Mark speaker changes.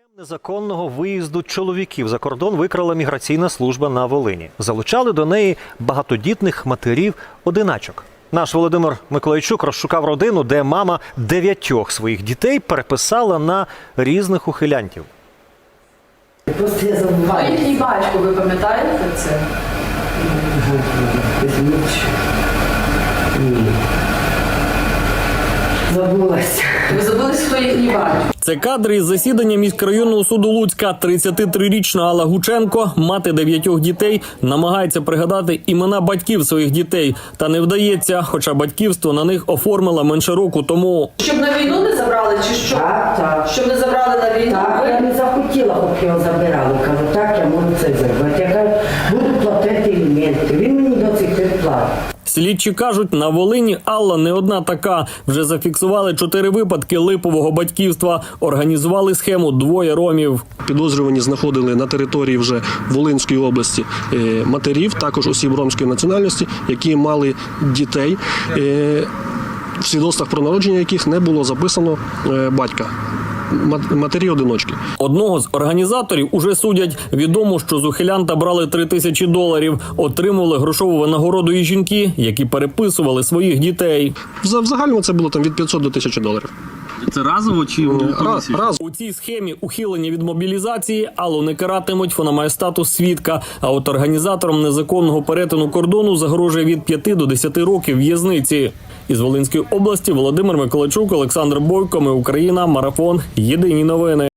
Speaker 1: Незаконного виїзду чоловіків за кордон викрала міграційна служба на Волині. Залучали до неї багатодітних матерів-одиначок. Наш Володимир Миколайчук розшукав родину, де мама 9 своїх дітей переписала на різних ухилянтів.
Speaker 2: Просто я забуваю.
Speaker 3: А їхній батько, ви пам'ятаєте це?
Speaker 2: Ні. Забулася.
Speaker 3: Ви забули, хто їхній батько?
Speaker 4: Це кадри із засідання міськрайонного суду Луцька. 33-річна Алла Гученко, мати 9 дітей, намагається пригадати імена батьків своїх дітей. Та не вдається, хоча батьківство на них оформила менше року тому.
Speaker 3: Щоб на війну не забрали, чи що?
Speaker 2: Так.
Speaker 3: Щоб не забрали на війну?
Speaker 2: Так, я не захотіла, поки його забирали. Кажу, так, я можу це зробити. Я кажу, буду платити аліменти. Він мені до цих пір платить.
Speaker 4: Слідчі кажуть, на Волині Алла не одна така. Вже зафіксували 4 випадки липового батьківства. Організували схему 2 ромів.
Speaker 5: Підозрювані знаходили на території вже Волинської області матерів, також осіб ромської національності, які мали дітей, в свідоцтвах про народження яких не було записано батька. Матері-одиночки.
Speaker 4: Одного з організаторів уже судять. Відомо, що з ухилянта брали $3000. Отримували грошову винагороду і жінки, які переписували своїх дітей.
Speaker 5: В загальному це було там від $500 до $1000.
Speaker 4: Це разово чи
Speaker 5: Раз.
Speaker 4: У цій схемі ухилення від мобілізації Аллу не каратимуть, вона має статус свідка. А от організаторам незаконного перетину кордону загрожує від 5 до 10 років в'язниці. Із Волинської області Володимир Миколайчук, Олександр Бойко, Ми Україна, Марафон. Єдині новини.